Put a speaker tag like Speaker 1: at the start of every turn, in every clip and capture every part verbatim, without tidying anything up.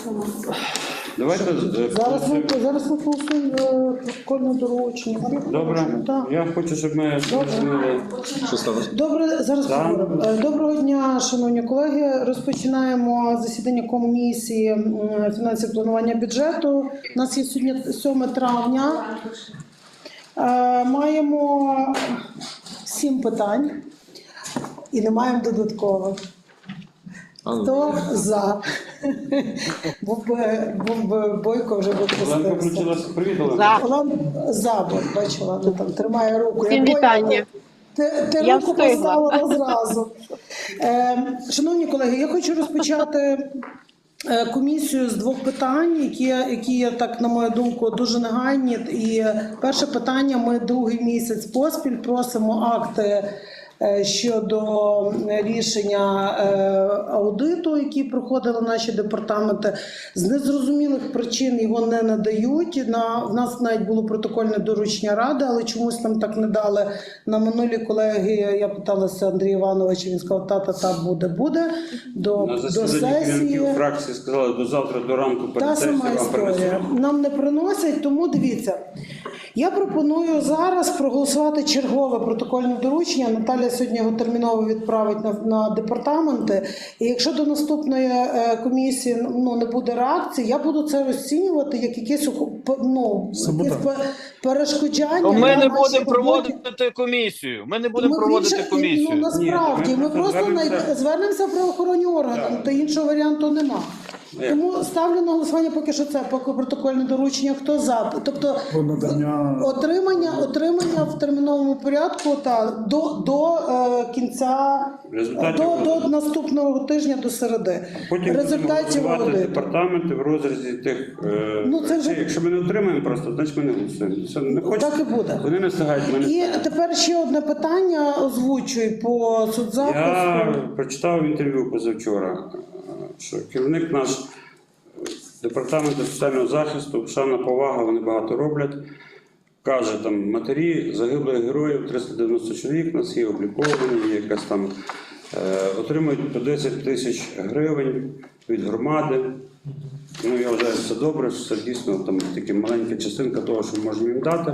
Speaker 1: Давайте
Speaker 2: Зараз ми, зараз ми голосуємо протокольне доручення.
Speaker 1: добре.
Speaker 2: Так.
Speaker 1: Я хочу, щоб ми зрозуміли.
Speaker 3: Що сталося?
Speaker 2: Добре, зараз
Speaker 1: Так.
Speaker 2: поговоримо. Е, Доброго дня, шановні колеги. Розпочинаємо засідання комісії м, фінансів планування бюджету. У нас є сьогодні сьоме травня. Е, Маємо сім питань і не маємо додаткових. Хто за? Був би, був би Бойко, вже би
Speaker 1: Оленка
Speaker 2: пустився.
Speaker 1: включилася. Привіт, Оленка.
Speaker 2: Олен за, бо бачила, ну, там тримає руку.
Speaker 4: Всім
Speaker 2: Я
Speaker 4: вітання.
Speaker 2: Бойко, Ти, ти
Speaker 4: Я
Speaker 2: руку
Speaker 4: встигла.
Speaker 2: поставила зразу. Е, шановні колеги, я хочу розпочати е, комісію з двох питань, які, які є, так, на мою думку, дуже негайні. І перше питання: ми другий місяць поспіль просимо акти е, щодо рішення е, аудиту, які проходили наші департаменти. З незрозумілих причин його не надають. На, в нас навіть було протокольне доручення ради, але чомусь нам так не дали. На минулій колегії я питалася Андрія Івановича, він сказав, та-та-та, буде, буде, до,
Speaker 1: На
Speaker 2: до
Speaker 1: засіданні
Speaker 2: сесії.
Speaker 1: керівників фракції сказали, до завтра, до ранку
Speaker 2: Та
Speaker 1: перед сесією
Speaker 2: сама
Speaker 1: вам
Speaker 2: історія.
Speaker 1: принесуть.
Speaker 2: Нам не приносять, тому дивіться. Я пропоную зараз проголосувати чергове протокольне доручення. Наталя сьогодні його терміново відправить на, на департаменти. І якщо до наступної е, комісії ну, не буде реакції, я буду це розцінювати як якесь, ну, якесь пе- перешкоджання.
Speaker 5: Ми
Speaker 2: на
Speaker 5: не
Speaker 2: нашій
Speaker 5: будемо
Speaker 2: роботі.
Speaker 5: проводити комісію. Ми не будемо
Speaker 2: Ми
Speaker 5: проводити
Speaker 2: більше-
Speaker 5: комісію.
Speaker 2: Ну, насправді,
Speaker 1: Ні, ми
Speaker 2: ми просто
Speaker 1: звернемося-
Speaker 2: най- звернемося в правоохоронні органи,
Speaker 1: Так.
Speaker 2: та іншого варіанту нема.
Speaker 1: Як?
Speaker 2: Тому ставлю на голосування поки що це, поки протокольне доручення, хто за. Тобто
Speaker 6: надання
Speaker 2: отримання, отримання в терміновому порядку та до, до е, кінця,
Speaker 1: Результатів
Speaker 2: до, до
Speaker 1: аудиту.
Speaker 2: наступного тижня, до середи.
Speaker 1: Потім
Speaker 2: Результатів
Speaker 1: будемо голосувати
Speaker 2: аудиту.
Speaker 1: департаменти в розрізі тих. Е,
Speaker 2: Ну, це вже-
Speaker 1: речей. Якщо ми не отримаємо просто, значить ми не голосуємо. Це не хочеться.
Speaker 2: Так і буде.
Speaker 1: Вони не встигають. Ми не
Speaker 2: І
Speaker 1: встигаємо.
Speaker 2: тепер ще одне питання озвучуй по соцзахисту.
Speaker 1: Я прочитав інтерв'ю позавчора, що керівник наш департаменту соціального захисту, шана повага, вони багато роблять. Каже, там матері загиблих героїв, триста дев'яносто чоловік, у нас є обліковані, є якась там е, отримують по десять тисяч гривень від громади. Ну, я вважаю, що це добре, що це дійсно там тільки маленька частинка того, що можемо їм дати.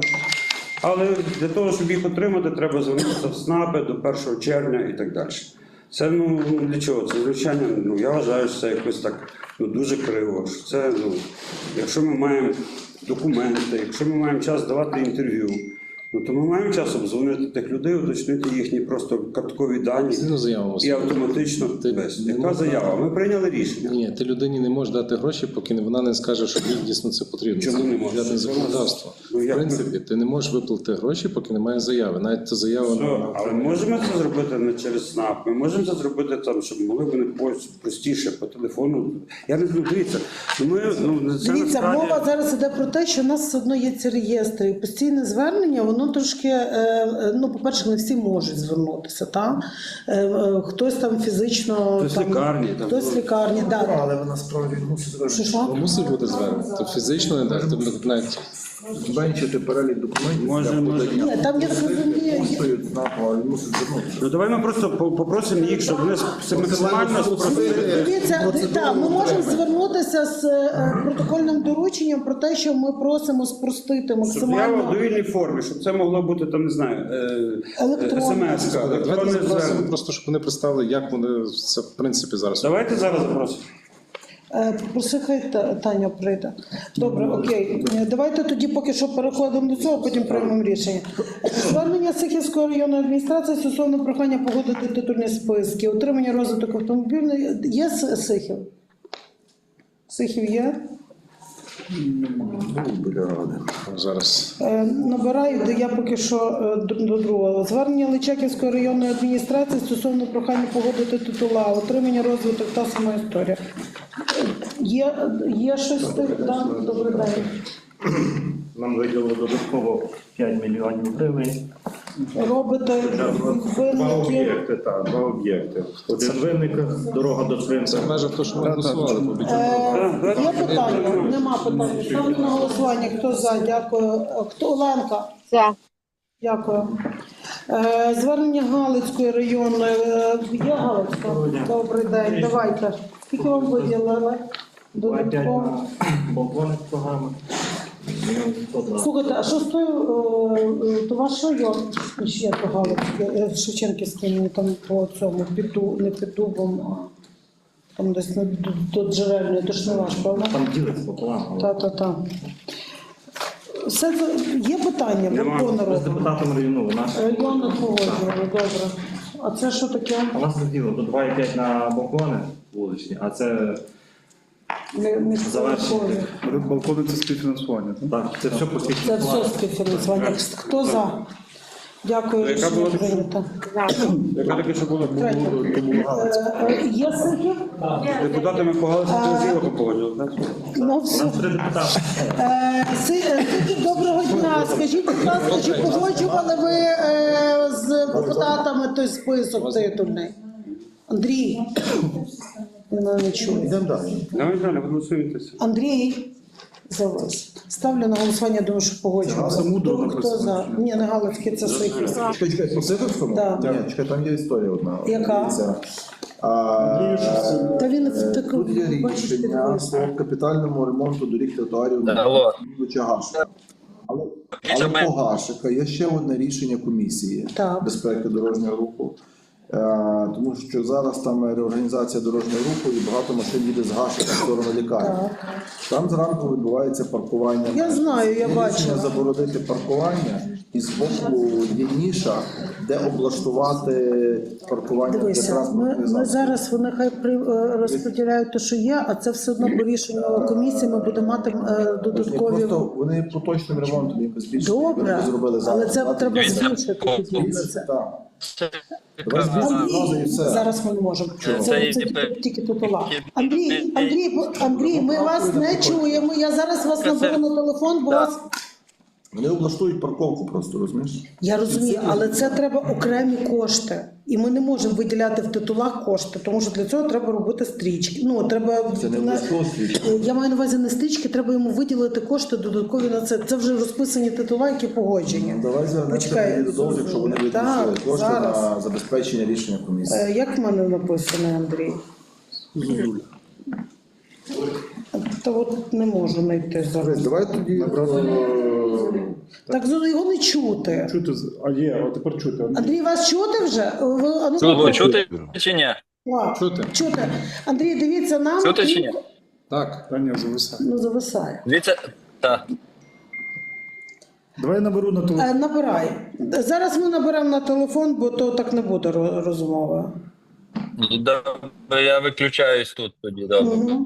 Speaker 1: Але для того, щоб їх отримати, треба звернутися в СНАПи до першого червня і так далі. Це ну для чого? Це звичайно, ну я вважаю, що це якось так ну, дуже криво. Що це, ну, якщо ми маємо документи, якщо ми маємо час давати інтерв'ю, ну то ми маємо час обдзвонити тих людей, уточнити їхні просто карткові дані
Speaker 3: Згідно заяву.
Speaker 1: і автоматично
Speaker 3: Ти
Speaker 1: без.
Speaker 3: не
Speaker 1: Яка
Speaker 3: можна-
Speaker 1: заява? Ми прийняли рішення.
Speaker 3: Ні, ти людині не можеш дати гроші, поки вона не скаже, що їй дійсно це потрібно.
Speaker 1: Чому
Speaker 3: Це
Speaker 1: не можеш?
Speaker 3: відповідне законодавство.
Speaker 1: Ну,
Speaker 3: В
Speaker 1: як ми-
Speaker 3: принципі, ти не можеш виплатити гроші, поки немає заяви. Навіть ця заява
Speaker 1: Все,
Speaker 3: на-
Speaker 1: але можемо це зробити не через СНАП, ми можемо це зробити там, щоб могли вони по- простіше по телефону. Я не знаю, дивіться. ну, Ми, ну, це
Speaker 2: Дивіться,
Speaker 1: насправді-
Speaker 2: мова зараз іде про те, що в нас все одно є ці реєстри. І постійне звернення, воно трошки, е, е, ну, по-перше, не всі можуть звернутися. Та? Е, е, хтось там фізично...
Speaker 1: Хтось
Speaker 2: там,
Speaker 1: лікарні, там,
Speaker 2: Хтось
Speaker 1: ну.
Speaker 2: лікарні, да.
Speaker 6: але вона справді мусить
Speaker 2: Що,
Speaker 6: звернути.
Speaker 2: що?
Speaker 3: мусить бути звернення. Ти фізично не дати, ти навіть
Speaker 6: Зменшити перелік документів
Speaker 1: Може,
Speaker 6: для
Speaker 1: може.
Speaker 6: подання.
Speaker 2: Ні, там, я так розумію,
Speaker 6: Коштують знаково, але мусить звернутися.
Speaker 1: Ну давай ми просто по- попросимо їх, щоб вони це максимально спростили.
Speaker 2: Дивіться, так, ми можемо звернутися з е, протокольним дорученням про те, що ми просимо спростити
Speaker 1: Щоб я в
Speaker 2: максимально.
Speaker 1: довільній формі, щоб це могло бути там, не знаю,
Speaker 2: Електронно.
Speaker 1: смс-ка,
Speaker 3: давайте
Speaker 1: електронне
Speaker 3: запросимо
Speaker 1: звернення.
Speaker 3: просто, щоб вони представили, як вони це в принципі зараз.
Speaker 1: Давайте зараз запросимо.
Speaker 2: Е, Попроси, хай Та- Таня прийде. Добре, окей. Е, Давайте тоді поки що переходимо до цього, потім приймемо рішення. Звернення Сихівської районної адміністрації стосовно прохання погодити титульні списки, отримання розвиток автомобільної. Є С- Сихів? Сихів є?
Speaker 6: Біля ради.
Speaker 3: Зараз.
Speaker 2: Е, Набираю, де я поки що е, до, до другого. Звернення Личаківської районної адміністрації стосовно прохання погодити титула, отримання розвиток та сама історія. Е, Є, є щось з тих? Да? Добрий день.
Speaker 7: Нам виділили додатково п'ять мільйонів гривень.
Speaker 2: Робите
Speaker 7: Два
Speaker 2: винники.
Speaker 7: об'єкти, так, два об'єкти. Один винника, дорога до
Speaker 3: Це в
Speaker 7: Свинця.
Speaker 3: межах того, що ми голосували по бюджету.
Speaker 2: Е, Є питання? Нема питання. Ставлю на голосування. Хто за? Дякую. Е, Хто? Оленка?
Speaker 4: За.
Speaker 2: Дякую. Е, Звернення Галицької районної. е, Є Галицька? Добрий день. Давайте. Скільки вам виділили? Додатково.
Speaker 7: балкони програми.
Speaker 2: Слухайте, а що з тою, е, е, то ваш район, ще то Галицький, Шевченківський, мені там по цьому, під, Ду- не під Дубом, а там десь на, до, до Джерельної, то ж не ваш, правда?
Speaker 7: Там ділиться пополам.
Speaker 2: Та-та-та. Все це, є питання,
Speaker 1: Нема.
Speaker 2: Верховна
Speaker 7: Ми з
Speaker 2: Рада?
Speaker 7: депутатом району, у нас,
Speaker 2: Район не погоджували, добре. А це що таке?
Speaker 7: у нас розділено до два і п'ять на балкони вуличні, а це
Speaker 2: Не, не
Speaker 7: Завершення.
Speaker 4: Балкони це співфінансування, так?
Speaker 7: так, це все по
Speaker 2: Це все співфінансування. Хто за? Дякую,
Speaker 1: Яка
Speaker 2: рішення
Speaker 1: була?
Speaker 2: прийнято.
Speaker 1: Яка таке, що було?
Speaker 2: Третє. Е, е, Є сики?
Speaker 1: Депутатами погалися, то зіло погодили, так?
Speaker 2: Ну,
Speaker 7: у
Speaker 2: все.
Speaker 7: нас три депутати.
Speaker 2: Е, Си- е, Сики, доброго дня. Скажіть, будь ласка, чи погоджували ви е, з депутатами той список титульний? Андрій? Він мене не чує.
Speaker 6: Йдемо далі.
Speaker 1: Давай далі, голосуємося.
Speaker 2: Андрій, за вас. Ставлю на голосування, думаю, що погоджували.
Speaker 4: Це мудро
Speaker 2: Хто
Speaker 4: написано.
Speaker 2: за? Ні, не Галицький, це Сихів.
Speaker 6: Чекай, чекай, по Сидорському?
Speaker 2: Да.
Speaker 6: Ні, чекай, там є історія одна.
Speaker 2: Яка?
Speaker 6: Дивіться. А,
Speaker 2: Та він
Speaker 6: е,
Speaker 2: так,
Speaker 6: Тут є
Speaker 2: бачиш,
Speaker 6: рішення
Speaker 2: підписано.
Speaker 6: по капітальному ремонту доріг тротуарів
Speaker 5: Алло.
Speaker 6: Мілоча Гашика. Але, але по Гашика є ще одне рішення комісії
Speaker 2: Так.
Speaker 6: безпеки дорожнього руху. Е, Тому що зараз там реорганізація дорожнього руху і багато машин їде з Гашика в сторону лікарні. Там зранку відбувається паркування.
Speaker 2: Я знаю, я
Speaker 6: Є рішення
Speaker 2: бачила.
Speaker 6: заборонити паркування, і з боку є ніша, де облаштувати паркування для
Speaker 2: Дивися, ми,
Speaker 6: транспортних
Speaker 2: ми
Speaker 6: засобів.
Speaker 2: зараз вони хай при, е, розподіляють те, що є, а це все одно по рішенню комісії ми будемо мати е,
Speaker 6: Вони
Speaker 2: додаткові.
Speaker 6: просто вони поточним ремонтом їм збільшили.
Speaker 2: Добре,
Speaker 6: вони зробили
Speaker 2: але
Speaker 6: зараз.
Speaker 2: це
Speaker 6: Давайте
Speaker 2: треба
Speaker 6: дивіться.
Speaker 2: збільшити тоді на це.
Speaker 6: Так. Давай збільшимо зразу і все.
Speaker 2: Зараз ми не можемо. Це,
Speaker 5: Це
Speaker 2: це,
Speaker 5: і
Speaker 2: тільки,
Speaker 5: тепер-
Speaker 2: тільки титула.
Speaker 5: тільки-
Speaker 2: Андрій, Андрій, Андрій, ми вас не чуємо. Я зараз вас наберу на телефон, бо вас.
Speaker 6: Вони облаштують парковку просто, розумієш?
Speaker 2: Я розумію, але це треба окремі кошти. І ми не можемо виділяти в титулах кошти, тому що для цього треба робити стрічки. Ну, треба...
Speaker 6: Це не
Speaker 2: на-
Speaker 6: обов'язково стрічки.
Speaker 2: Я маю на увазі не стрічки, треба йому виділити кошти додаткові на це. Це вже розписані титула, які погоджені.
Speaker 6: Давай звернемося
Speaker 2: Почекай.
Speaker 6: додому, якщо вони
Speaker 2: Так,
Speaker 6: відпустили кошти
Speaker 2: зараз.
Speaker 6: на забезпечення рішення комісії.
Speaker 2: Е, Як в мене написано, Андрій? Та от не можу знайти зараз.
Speaker 6: Дивись, давай тоді одразу.
Speaker 2: Так його не чути.
Speaker 4: Чути, з- а є, а тепер чути.
Speaker 2: Андрій, вас чути вже? Ви, а ну,
Speaker 5: Чути, чути чи ні?
Speaker 2: А,
Speaker 3: Чути.
Speaker 2: чути. Андрій, дивіться, нам
Speaker 5: Чути чи ні?
Speaker 3: Так.
Speaker 4: Та ні, зависає.
Speaker 2: ну, зависає.
Speaker 5: Дивіться, так.
Speaker 4: Давай я наберу на телефон.
Speaker 2: Е, Набирай. Зараз ми наберемо на телефон, бо то так не буде ро- розмови.
Speaker 5: Добре, я виключаюсь тут тоді, добре.
Speaker 2: Мгм.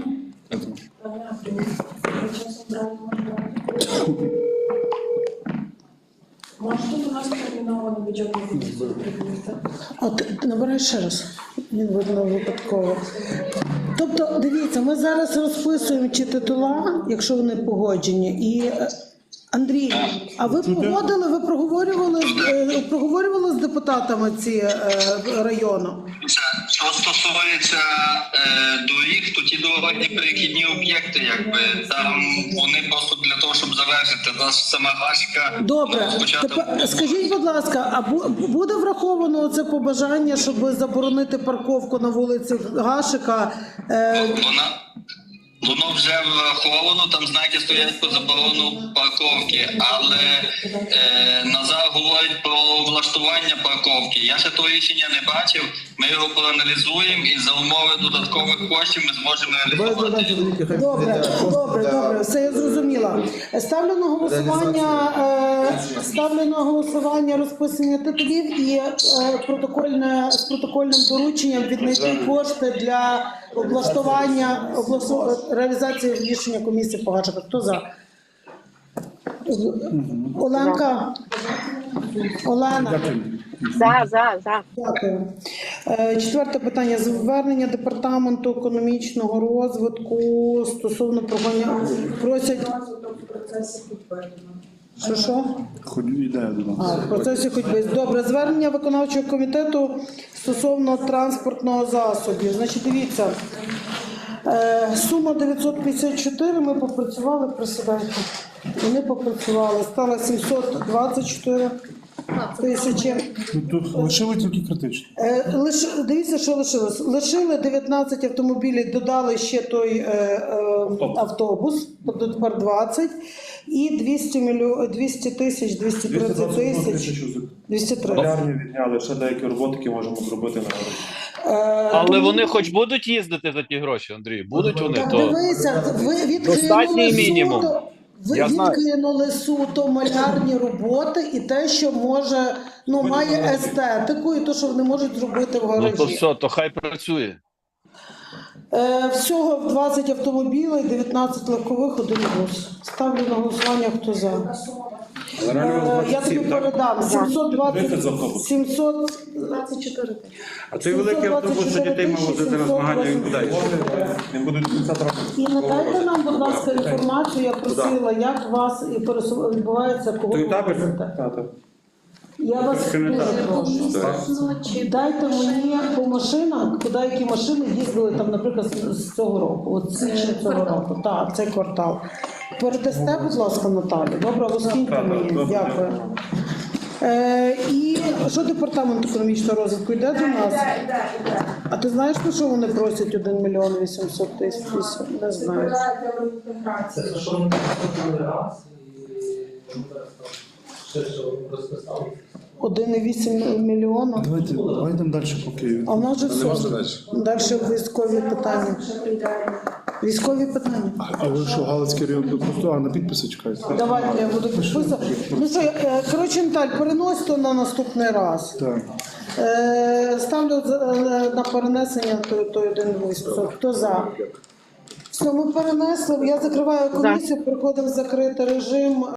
Speaker 8: Може, тут у нас терміновано бюджетний відділ.
Speaker 2: А ти ти набирай ще раз. Він видно випадково. Тобто, дивіться, ми зараз розписуємо чи титула, якщо вони погоджені. І е, Андрій, а ви погодили, ви проговорювали, з- е, проговорювали з депутатами ці е, району?
Speaker 9: Що стосується е, доріг, то ті дорожні перехідні об'єкти, якби там вони просто для того, щоб завершити нас сама гашка.
Speaker 2: Добре,
Speaker 9: Спочатку
Speaker 2: тепер скажіть, будь ласка, а бу- буде враховано це побажання, щоб заборонити парковку на вулиці Гашика? Е,
Speaker 9: вона воно вже враховано, там знаки стоять по заборону парковки, але е, Назар говорить про влаштування парковки. Я ще того рішення не бачив. Ми його проаналізуємо і за умови додаткових коштів ми зможемо
Speaker 6: Давай
Speaker 9: реалізувати.
Speaker 6: звернемося до них, хай
Speaker 2: Добре,
Speaker 6: прийде кошти
Speaker 2: добре,
Speaker 6: для-
Speaker 2: добре, все я зрозуміла. Ставлю на голосування, е, ставлю на голосування розписання титулів і е, протокольне з протокольним дорученням віднайти кошти для облаштування облашту- реалізації рішення комісії по Гашиках. Хто за? Оленка? Олена?
Speaker 10: За, за, за.
Speaker 2: Дякую. Е, Четверте питання. Звернення департаменту економічного розвитку стосовно прогоня... Просять... Що, що?
Speaker 4: Хоч ідея до нас.
Speaker 2: А, в процесі ходьби. Добре. Звернення виконавчого комітету стосовно транспортного засобів. Значить, дивіться. Е, Сума дев'ятсот п'ятдесят чотири, ми попрацювали, присідайте. Вони попрацювали. Стало сімсот двадцять чотири. тисячі.
Speaker 4: Ну, Тут лишили тільки критично.
Speaker 2: Е, лиш, дивіться, що лишилось. Лишили дев'ятнадцять автомобілів, додали ще той е, е, автобус, тобто тепер двадцять, і двісті, мільйон, двісті тисяч, двісті тридцять тисяч, двісті тридцять.
Speaker 7: Полярні відняли, ще деякі роботи, які можемо зробити на городі.
Speaker 2: Е,
Speaker 5: Але
Speaker 2: тому-
Speaker 5: вони хоч будуть їздити за ті гроші, Андрій? Будуть вони,
Speaker 2: Так
Speaker 5: то
Speaker 2: дивися, ви
Speaker 5: Достатній
Speaker 2: відкинули
Speaker 5: мінімум.
Speaker 2: суто, ви
Speaker 5: Я знаю.
Speaker 2: відкинули суто малярні роботи і те, що може, ну, має естетику, і те, що вони можуть зробити в
Speaker 5: ну
Speaker 2: гаражі.
Speaker 5: то все, то хай працює.
Speaker 2: Е, всього двадцять автомобілів, дев'ятнадцять легкових, один бус. Ставлю на голосування, хто за.
Speaker 1: Але реально
Speaker 2: Е, я тобі передам сімсот двадцять, сімсот,
Speaker 8: двадцять чотири.
Speaker 1: А цей великий автобус, що дітей мав возити на змагання, він куди йде?
Speaker 7: Він буде до кінця травня.
Speaker 2: і надайте нам, будь ласка, інформацію, я просила, як у вас і пересу- відбувається, кого
Speaker 1: Той
Speaker 2: ви
Speaker 1: табір?
Speaker 2: везете.
Speaker 7: Та, та.
Speaker 2: Я вас
Speaker 1: Трошки не
Speaker 2: дуже
Speaker 1: так.
Speaker 2: прошу. Дайте мені по машинам, куди які машини їздили там, наприклад, з- з цього року, от з січня цього року, так, цей квартал. Передасте, будь ласка, Наталі. Добре, розкиньте мені. Дякую. Е, і що департамент економічного розвитку йде до нас? А ти знаєш, на що вони просять один мільйон вісімсот тисяч? Не знаю. один і вісім мільйона.
Speaker 4: Давайте, давайте йдемо далі по Києві.
Speaker 2: А в нас же
Speaker 3: Не можна
Speaker 2: все.
Speaker 3: далі.
Speaker 2: Далі військові питання. Військові питання.
Speaker 4: А ви що, Галицький район просто а, на підписи чекаєте?
Speaker 2: Давайте я буду підписувати. Ну що, е, коротше, Наталь, перенось то на наступний раз.
Speaker 4: Так.
Speaker 2: Е, Ставлю за- е, на перенесення той, той один висновок. Хто за? Все, ми перенесли. Я закриваю комісію, переходимо в закритий режим.